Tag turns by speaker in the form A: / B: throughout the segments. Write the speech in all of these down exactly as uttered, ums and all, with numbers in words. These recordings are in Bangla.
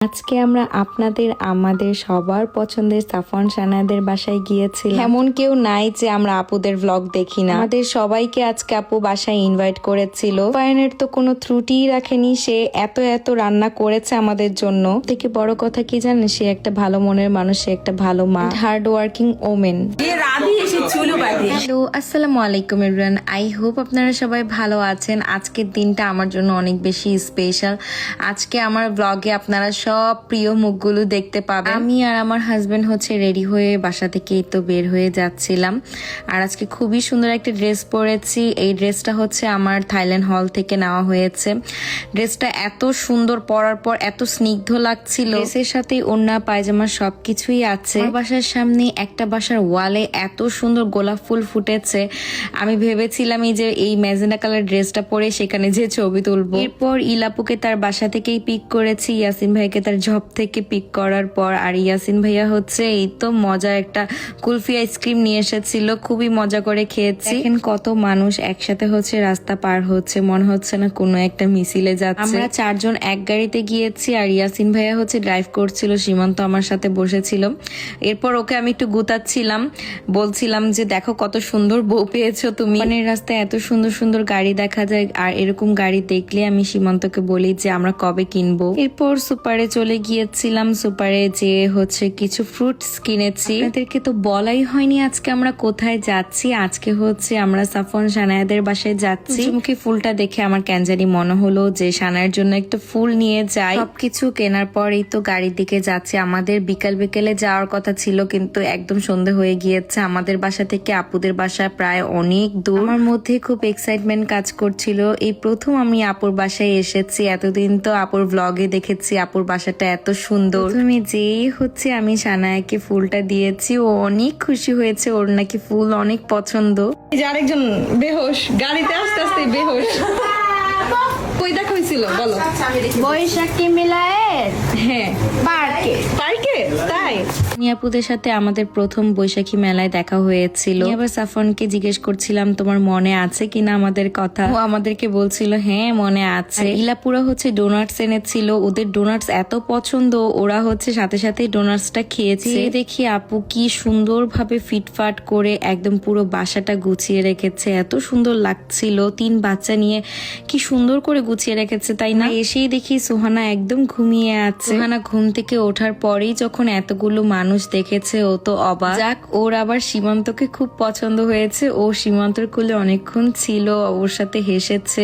A: আজকে আমরা আপনাদের আমাদের সবার পছন্দের সাফওয়ান সানাদের বাসায় গিয়েছিলাম। এমন কেউ নাই যে আমরা আপুদের ভ্লগ দেখি না। আমাদের সবাইকে আজকে আপু বাসায় ইনভাইট করেছিল। পায়নের তো কোনো ত্রুটিই রাখেনি, সে এত এত রান্না করেছে আমাদের জন্য। থেকে বড় কথা কি জানেন, সে একটা ভালো মনের মানুষ, সে একটা ভালো মা, হার্ড ওয়ার্কিং ওমেন। হ্যালো, আসসালামু আলাইকুম এভরিওয়ান। আই হোপ আপনারা সবাই ভালো আছেন। আজকের দিনটা আমার জন্য অনেক বেশি স্পেশাল। আজকে আমার ব্লগে আপনারা সব প্রিয় মুখগুলো দেখতে পাবেন। আমি আর আমার হাজবেন্ড হচ্ছে রেডি হয়ে বাসা থেকে তো বের হয়ে যাচ্ছিলাম। আর আজকে খুবই সুন্দর একটা ড্রেস পরেছি। এই ড্রেসটা হচ্ছে আমার থাইল্যান্ড হল থেকে নেওয়া হয়েছে। ড্রেসটা এত সুন্দর, পরার পর এত স্নিগ্ধ লাগছিল। ড্রেসের সাথে ওড়না পায়জামা সবকিছুই আছে। আমার বাসার সামনে একটা বাসার ওয়ালে এত সুন্দর গোলাপ ফুল ফুটেছে। আমি ভেবেছিলাম এই যে এই ম্যাজেন্ডা কালার ড্রেসটা পরে সেখানে যে ছবি তুলবো। এরপর ইলাপুকে তার বাসা থেকেই পিক করেছি, ইয়াসিন ভাইকে তার জব থেকে পিক করার পর। আর ইয়াসিন ভাইয়া হচ্ছে এই তো মজা একটা কুলফি আইসক্রিম নিয়ে এসেছিল, খুবই মজা করে খেয়েছি। এখন কত মানুষ একসাথে হচ্ছে রাস্তা পার হচ্ছে, মনে হচ্ছে না কোনো একটা মিছিলে যাচ্ছে। আমরা চারজন এক গাড়িতে গিয়েছি আর ইয়াসিন ভাইয়া হচ্ছে ড্রাইভ করছিল, সীমান্ত আমার সাথে বসেছিল। এরপর ওকে আমি একটু গুতাচ্ছিলাম, বলছিলাম যে দেখো কত সুন্দর বউ পেয়েছো তুমি। মানে রাস্তায় এত সুন্দর সুন্দর গাড়ি দেখা যায়, আর এরকম গাড়ি দেখলে আমি সীমান্তকে বলি যে আমরা কবে কিনবো। এরপর সুপারে চলে গিয়েছিলাম। সুপারে যে হচ্ছে কিছু ফ্রুটস কিনেছি। আপনাদেরকে তো বলাই হয়নি আজকে আমরা কোথায় যাচ্ছি। আজকে হচ্ছে আমরা সাফওয়ান সানায়াদের বাসায় যাচ্ছি। মুখে ফুলটা দেখে আমার ক্যানজানি মনে হলো যে সানায়ের জন্য একটা ফুল নিয়ে যাই। সবকিছু কেনার পরেই তো গাড়ির দিকে যাচ্ছি। আমাদের বিকাল বিকেলে যাওয়ার কথা ছিল, কিন্তু একদম সন্ধ্যে হয়ে গিয়েছে। আমাদের বাসা থেকে আপুদের বাসা প্রায় অনেক দূর। আমার মধ্যে খুব এক্সাইটমেন্ট কাজ করছিল। এই প্রথম আমি আপুর বাসায় এসেছি। এতদিন তো আপুর ব্লগে দেখেছি আপুর বাসাটা এত সুন্দর। তুমি যেই হচ্ছে আমি সানায়াকে ফুলটা দিয়েছি, ও অনেক খুশি হয়েছে, ওর নাকি ফুল অনেক পছন্দ।
B: এই যে আরেকজন বেহোশ, গাড়িতে আস্তে আস্তে বেহোশ। কই দেখা হয়েছিল বলো?
C: বৈশাখী মিলায়ের
B: হ্যাঁ,
C: পার্কে।
B: পার্কে। তাই
A: নিয়াপুদের সাথে আমাদের প্রথম বৈশাখী মেলায় দেখা হয়েছিল। এবার সাফওয়ানকে জিজ্ঞেস করছিলাম তোমার মনে আছে কিনা আমাদের কথা। ও আমাদেরকে বলছিল হ্যাঁ মনে আছে। ইলাপুরা হচ্ছে ডোনাটস এনেছিল, ওদের ডোনাটস এত পছন্দ, ওরা হচ্ছে সাথে সাথে ডোনাটসটা খেয়েছে। দেখি আপু কি সুন্দর ভাবে ফিটফাট করে একদম পুরো বাসাটা গুছিয়ে রেখেছে, এত সুন্দর লাগছিল। তিন বাচ্চা নিয়ে কি সুন্দর করে গুছিয়ে রেখেছে, তাই না? এসেই দেখি সুহানা একদম ঘুমিয়ে আছে। সুহানা ঘুম থেকে ওঠার পরেই যখন এতগুলো মানুষ দেখেছে ও তো অবাক। যাক, ওর আবার সীমান্তকে খুব পছন্দ হয়েছে। ও সীমান্তর কোলে অনেকক্ষণ ছিল, ওর সাথে হেসেছে।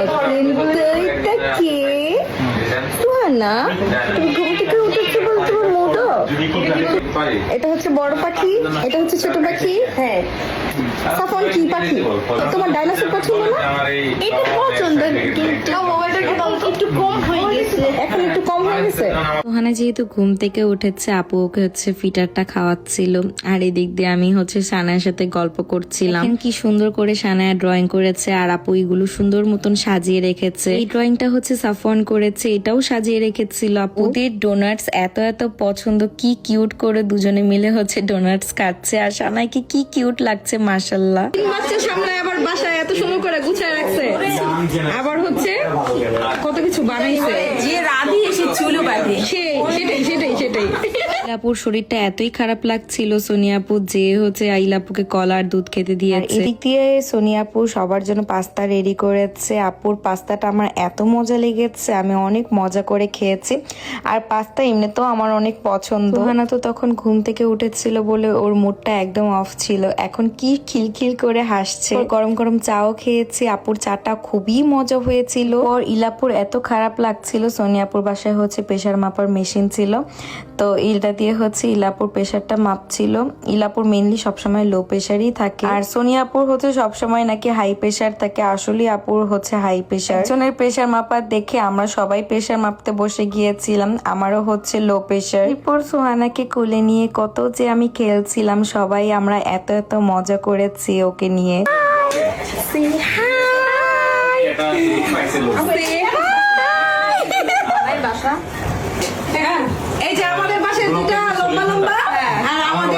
B: না তুমি ঘুম থেকে উঠেছো বল, তোমার মুড অফ। এটা হচ্ছে বড় পাখি, এটা হচ্ছে ছোট পাখি। হ্যাঁ, সাফওয়ান কি পাখি? তোমার ডাইনোসর পছন্দ না?
C: এটা পছন্দ, কিন্তু একটু কম হয়ে গেছে।
B: এখন একটু কম হয়ে গেছে।
A: সোহানা যেহেতু ঘুম থেকে উঠেছে, আপু ওকে হচ্ছে ফিটারটা খাওয়াচ্ছিল, আর এদিক দিয়ে আমি হচ্ছে সানায়ের সাথে গল্প করছিলাম। কি সুন্দর করে সানায়া ড্রয়িং করেছে, আর আপু এগুলো সুন্দর মতন সাজিয়ে রেখেছে। এই ড্রয়িংটা হচ্ছে সাফওয়ান করেছে, এটাও সাজিয়ে রেখেছিল আপু। ওদের ডোনাটস এত এত পছন্দ, কি কিউট করে দুজনে মিলে হচ্ছে ডোনাটস খাচ্ছে। আর সানাইকে কি কিউট লাগছে মাশাআল্লাহ।
B: তিন বাচ্চা সামনে আবার বাসায় এত সুন্দর করে গুছিয়ে রাখছে, আবার হচ্ছে কত কিছু বানাইছে।
C: যে রাধি এসে চুলো বাঁধে,
B: সেটাই সেটাই সেটাই
A: আইলাপুর শরীরটা এতই খারাপ লাগছিল, সোনিয়াপু যে হচ্ছে আইলাপুকে কলা আর দুধ খেতে দিয়েছে। এদিক দিয়ে সোনিয়াপু সবার জন্য পাস্তা রেডি করেছে। আপুর পাস্তাটা আমার এত মজা লেগেছে, আমি অনেক মজা করে খেয়েছি। আর পাস্তা এমনিতেও আমার অনেক পছন্দ। সোহানা তো তখন ঘুম থেকে উঠেছিল বলে ওর মুডটা একদম অফ ছিল, এখন কি খিলখিল করে হাসছে। গরম গরম চাও খেয়েছি, আপুর চাটা খুবই মজা হয়েছিল। ওর ইলাপুর এত খারাপ লাগছিল। সোনিয়াপুর বাসায় হচ্ছে প্রেসার মাপার মেশিন ছিল, তো এটা দিয়ে হচ্ছে ইলাপুর প্রেসারটা মাপছিল। ইলাপুর মেইনলি সবসময় লো প্রেসারই থাকে, আর সোনিয়াপুর হচ্ছে সবসময় নাকি হাই প্রেসার থাকে। আসলে আপুর হচ্ছে হাই প্রেসার। একজনের প্রেসার মাপার দেখে আমরা সবাই প্রেসার মাপতে বসে গিয়েছিলাম। আমারও হচ্ছে লো প্রেসার। এরপর সোহানাকে কোলে নিয়ে কত যে আমি খেলছিলাম, সবাই আমরা এত এত মজা করেছি ওকে নিয়ে।
B: এই যে আমাদের বাসায় দুটা লম্বা লম্বা, আর আমাদের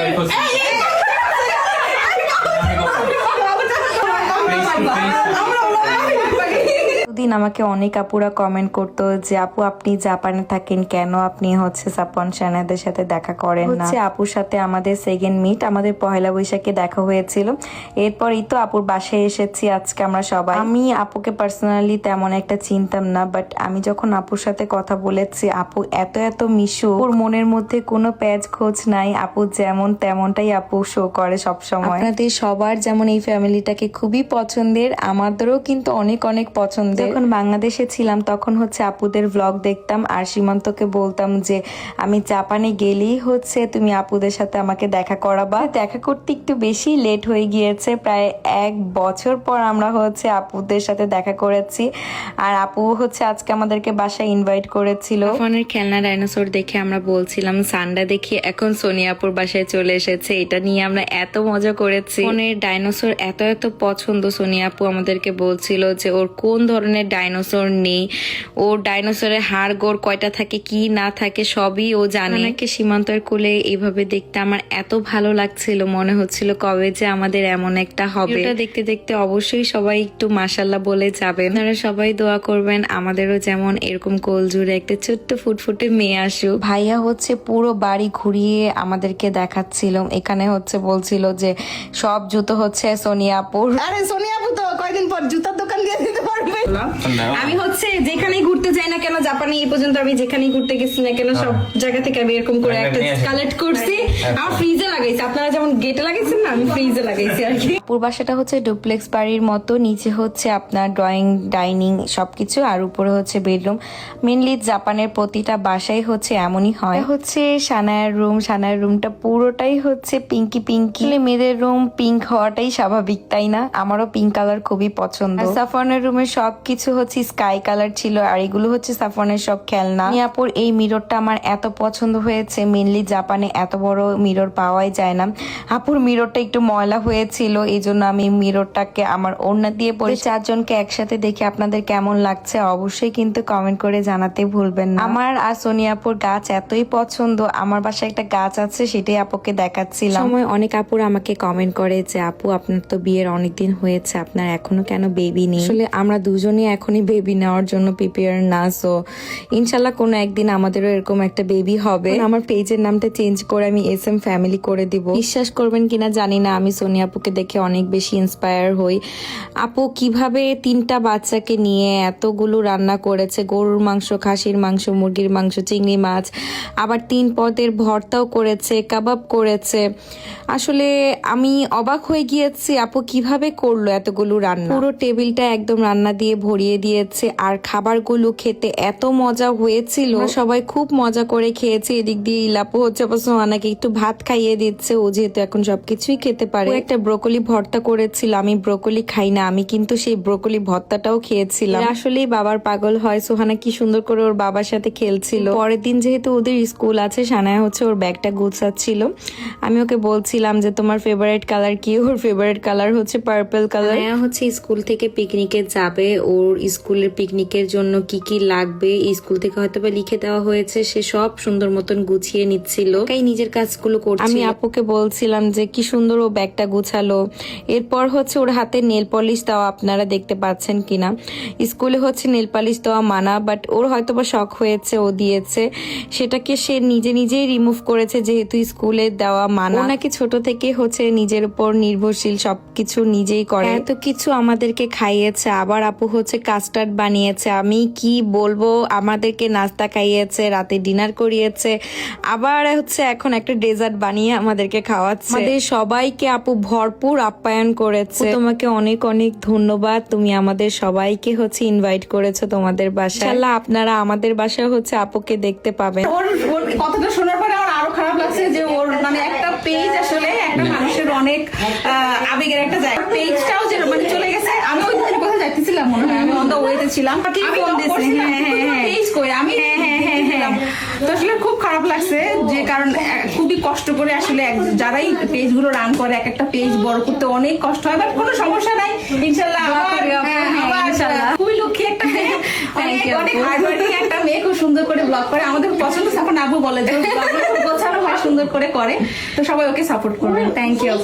A: দিন আমাকে অনেক আপুরা কমেন্ট করতো যে আপু আপনি জাপানে থাকেন কেন আপনি হচ্ছে সাফওয়ান শাহনাদের সাথে দেখা করেন না। হচ্ছে আপুর সাথে আমাদের সেকেন্ড মিট আমাদের পহেলা বৈশাখে দেখা হয়েছিল, এরপরই তো আপুর বাসায় এসেছি আজকে আমরা সবাই। আমি আপুকে পার্সোনালি তেমন একটা চিনতাম না, বাট আমি যখন আপুর সাথে কথা বলেছি আপু এত এত মিশু, ওর মনের মধ্যে কোনো প্যাচ খোঁজ নাই, আপু যেমন তেমনটাই আপু শো করে সব সময়। আপনাদের সবার যেমন এই ফ্যামিলিটাকে খুবই পছন্দের, আমাদেরও কিন্তু অনেক অনেক পছন্দের। যখন বাংলাদেশে ছিলাম তখন হচ্ছে আপুদের ভ্লগ দেখতাম আর সীমান্তকে বলতাম যে আমি জাপানে গেলেই হচ্ছে তুমি আপুদের সাথে আমাকে দেখা করাবা। দেখা করতে একটু বেশি লেট হয়ে গিয়েছে, প্রায় এক বছর পর আমরা হচ্ছে আপুদের সাথে দেখা করেছি। আর আপু হচ্ছে আজকে আমাদেরকে বাসায় ইনভাইট করেছিল। ফোনের খেলনা ডাইনোসর দেখে আমরা বলছিলাম সান্ডা দেখি এখন সোনিয়াপুর বাসায় চলে এসেছে, এটা নিয়ে আমরা এত মজা করেছি। ফোনের ডাইনোসর এত এত পছন্দ, সোনিয়াপু আমাদেরকে বলছিল যে ওর কোন ধরনের ডাইনোসর নেই, ওর ডাইনোসরের হাড় গোড় কয়টা থাকে কি না থাকে সবই ও জানে। নাকি সীমান্তের কোলে এইভাবে দেখতে আমার এত ভালো লাগছিল, মনে হচ্ছিল কবে যে আমাদের এমন একটা হবে। এটা দেখতে দেখতে অবশ্যই সবাই একটু মাশাল্লাহ বলে যাবেন। আপনারা সবাই দোয়া করবেন আমাদেরও যেমন এরকম কোল জুড়ে একটা ছোট্ট ফুটফুটে মেয়ে আসুক। ভাইয়া হচ্ছে পুরো বাড়ি ঘুরিয়ে আমাদেরকে দেখাচ্ছিল, এখানে হচ্ছে বলছিল যে সব জুতো হচ্ছে সোনিয়াপুর।
B: আরে সোনিয়াপু তো কয়দিন পর জুতার দোকান দিয়ে দিতে পারবে।
C: আমি হচ্ছে যেখানেই ঘুরতে যাই না কেন জাপানে, এই পর্যন্ত আমি যেখানেই ঘুরতে গেছি না কেন সব জায়গা থেকে আমি এরকম করে একটা কালেক্ট করছি, আমার ফ্রিজে লাগাইছি। আপনারা যেমন গেটে লাগাইছেন না, আমি ফ্রিজে লাগাইছি আর কি।
A: পুরো বাসাটা হচ্ছে ডুপ্লেক্স বাড়ির মতো, নিচে হচ্ছে আপনার ড্রয়িং ডাইনিং সবকিছু আর উপরে হচ্ছে বেডরুম। মেনলি জাপানের প্রতিটা বাসায় হচ্ছে এমনই হয়। হচ্ছে সানায়ার রুম, সানায়ার রুমটা পুরোটাই হচ্ছে পিঙ্কি পিঙ্কি। মেয়েদের রুম পিঙ্ক হওয়াটাই স্বাভাবিক তাই না? আমারও পিঙ্ক কালার খুবই পছন্দ। সাফওয়ানের রুমে সবকিছু হচ্ছে স্কাই কালার ছিল আর এগুলো হচ্ছে সাফওয়ানের সব খেলনা। মিয়াপুর এই মিররটা আমার এত পছন্দ হয়েছে, মেনলি জাপানে এত বড় মিরর পাওয়াই যায় না। আপুর মিররটা একটু ময়লা হয়েছিল, এই জন্য আমি মিররটাকে আমার ওড়না দিয়ে পরে চারজনকে একসাথে দেখে আপনাদের কেমন লাগছে অবশ্যই কিন্তু কমেন্ট করে জানাতে ভুলবেন না। আমার আর সোনিয়াপুর গাছ এতই পছন্দ, আমার বাসায় একটা গাছ আছে সেটাই আপুকে দেখাচ্ছিলাম। সময় অনেক আপুর আমাকে কমেন্ট করে যে আপু আপনার তো বিয়ের অনেকদিন হয়েছে, আপনার এখনো কেন বেবি নেই? আসলে আমরা দুজনই এখনই বেবি নেওয়ার জন্য প্রিপেয়ার না, সো ইনশাল্লাহ কোনো একদিন আমাদেরও এরকম একটা বেবি হবে। আমার পেজের নামটা চেঞ্জ করে আমি এস এম ফ্যামিলি করে দিব। বিশ্বাস করবেন কিনা জানি না, আমি সোনিয়া আপুকে দেখে অনেক বেশি ইন্সপায়ার হই। আপু কিভাবে তিনটা বাচ্চাকে নিয়ে এতগুলো রান্না করেছে, গরুর মাংস, খাসির মাংস, মুরগির মাংস, চিংড়ি মাছ, আবার তিন পদের ভর্তাও করেছে, কাবাব করেছে। আসলে আমি অবাক হয়ে গিয়েছি আপু কিভাবে করলো এতগুলো রান্না। পুরো টেবিলটা একদম রান্না দিয়ে ভরিয়ে দিয়েছে আর খাবারগুলো খেতে এত মজা হয়েছিল, সবাই খুব মজা করে খেয়েছি। এদিক দিয়ে ইলাপু হচ্ছে সোহানাকে একটু ভাত খাইয়ে দিচ্ছে, ও যেহেতু এখন সবকিছুই খেতে পারে। একটা ব্রোকলি ভর্তা করেছিল, আমি ব্রোকলি খাই না, আমি কিন্তু সেই ব্রোকলি ভর্তাটাও খেয়েছিলাম। আসলেই বাবার পাগল হয়। সোহানা কি সুন্দর করে ওর বাবার সাথে খেলছিল। পরের দিন যেহেতু ওদের স্কুল আছে, সানায়া হচ্ছে ওর ব্যাগটা গুছাচ্ছিল। আমি ওকে বলছিলাম যে তোমার ফেভারিট কালার কি? ওর ফেভারিট কালার হচ্ছে পার্পল কালার। হচ্ছে স্কুল থেকে পিকনিকে যাবে, ওর স্কুলের পিকনিকের জন্য কি কি লাগবে স্কুল থেকে হয়তো বা লিখে দেওয়া হয়েছে, সে সব সুন্দর মতন গুছিয়ে নিচ্ছিল, তাই নিজের কাজগুলো করছে। আমি আপুকে বলছিলাম যে কি সুন্দর ও ব্যাগটা গুছালো। এরপর হচ্ছে ওর হাতে নেল পলিশ দেওয়া, আপনারা দেখতে পাচ্ছেন কিনা। স্কুলে হচ্ছে নেল পলিশ দেওয়া মানা, বাট ওর হয়তো বা শখ হয়েছে, ও দিয়েছে, সেটাকে সে নিজে নিজেই রিমুভ করেছে যেহেতু স্কুলে দেওয়া মানা। নাকি ছোট থেকে হচ্ছে নিজের উপর নির্ভরশীল, সবকিছু নিজেই করে, এত কিছু আমাদেরকে খাইয়েছে। আবার আপু হচ্ছে কাস্টার্ড বানিয়েছে, আমি কি বলবো, আমাদেরকে নাস্তা খাইয়েছে, রাতে ডিনার করিয়েছে, আবার হচ্ছে এখন একটা ডেজার্ট বানিয়ে আমাদেরকে খাওয়াচ্ছে। আমাদের সবাইকে আপু ভরপুর আপ্যায়ন করেছে। তোমাকে অনেক অনেক ধন্যবাদ, তুমি আমাদের সবাইকে হচ্ছে ইনভাইট করেছো তোমাদের বাসায়। ইনশাআল্লাহ আপনারা আমাদের বাসায় হচ্ছে আপুকে দেখতে পাবেন।
C: ওর ওর কথাটা শোনার পরে আমার আরো খারাপ লাগছে যে ওর মানে একটা পেজ আসলে একটা মানুষের অনেক আহ, আবেগের একটা জায়গা, পেজটাও যে মানে চলে গেছে। আমি ওই দিন কোথায় যাইতেছিলাম মনে হয়, আমি অন দা ওয়েতে ছিলাম, আমি ফোন দিয়েছি, হ্যাঁ হ্যাঁ হ্যাঁ পেজ কই আমি, হ্যাঁ হ্যাঁ হ্যাঁ হ্যাঁ তো আসলে খুব খারাপ লাগছে যে কারণ আহ, খুবই কষ্ট করে আসলে এক- যারাই পেজ গুলো রান করে এক একটা পেজ বড় করতে অনেক কষ্ট হয়, বাট কোনো সমস্যা নাই ইনশাল্লাহ। আবার হ্যাঁ, আবার ইনশাল্লাহ খুবই লক্ষ্মী একটা মেয়ে, অনেক অনেক হার্ড ওয়ার্কিং একটা মেয়ে, খুব সুন্দর করে ব্লগ করে। আমাদের পছন্দ সাপোর্ট আবু বলে যে গোছানো হয়, সুন্দর করে করে, তো সবাই ওকে সাপোর্ট করবেন। Thank you.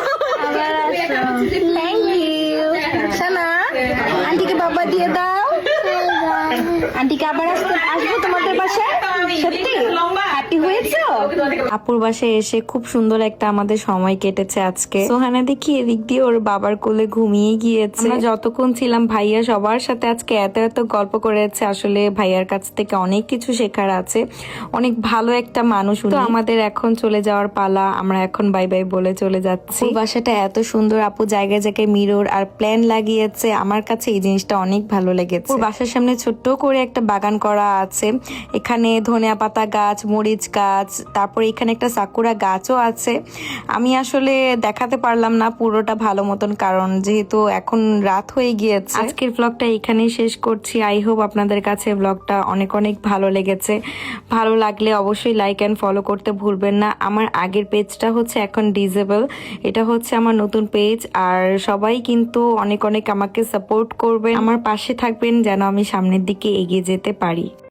B: Thank you. Sana আন্টিকে বাবা দিয়ে দাও। আন্টিকে আবার আসতে আসবো তোমাদের বাসায়? সত্যি হ্যাপি হয়েছো?
A: আপুর বাসায় এসে খুব সুন্দর একটা আমাদের সময় কেটেছে আজকে। সোহানা দেখি এদিক দিয়ে ওর বাবার কোলে ঘুমিয়ে গিয়েছে। আমরা যতক্ষণ ছিলাম ভাইয়া সবার সাথে আজকে এত এত গল্প করেছে। আসলে ভাইয়ার কাছ থেকে অনেক কিছু শেখার আছে, অনেক ভালো একটা মানুষ উনি। তো আমাদের এখন চলে যাওয়ার পালা, আমরা এখন বাই বাই বলে চলে যাচ্ছি। আপুর বাসাটা এত সুন্দর, আপু জায়গায় জায়গায় মিরর আর প্ল্যান লাগিয়েছে, আমার কাছে এই জিনিসটা অনেক ভালো লেগেছে। ওর বাসার সামনে ছোট্ট করে একটা বাগান করা আছে, এখানে ধনিয়া পাতা গাছ, মরিচ গাছ, তারপরে এখানে একটা সাকুরা গাছও আছে। আমি আসলে দেখাতে পারলাম না পুরোটা ভালো মতন, কারণ যেহেতু এখন রাত হয়ে গিয়েছে। আজকের ব্লগটা এখানেই শেষ করছি। আই হোপ আপনাদের কাছে ব্লগটা অনেক অনেক ভালো লেগেছে। ভালো লাগলে অবশ্যই লাইক অ্যান্ড ফলো করতে ভুলবেন না। আমার আগের পেজটা হচ্ছে এখন ডিজেবল, এটা হচ্ছে আমার নতুন পেজ। আর সবাই কিন্তু অনেক অনেক আমাকে সাপোর্ট করবেন, আমার পাশে থাকবেন যেন আমি সামনের দিকে এগিয়ে যেতে পারি।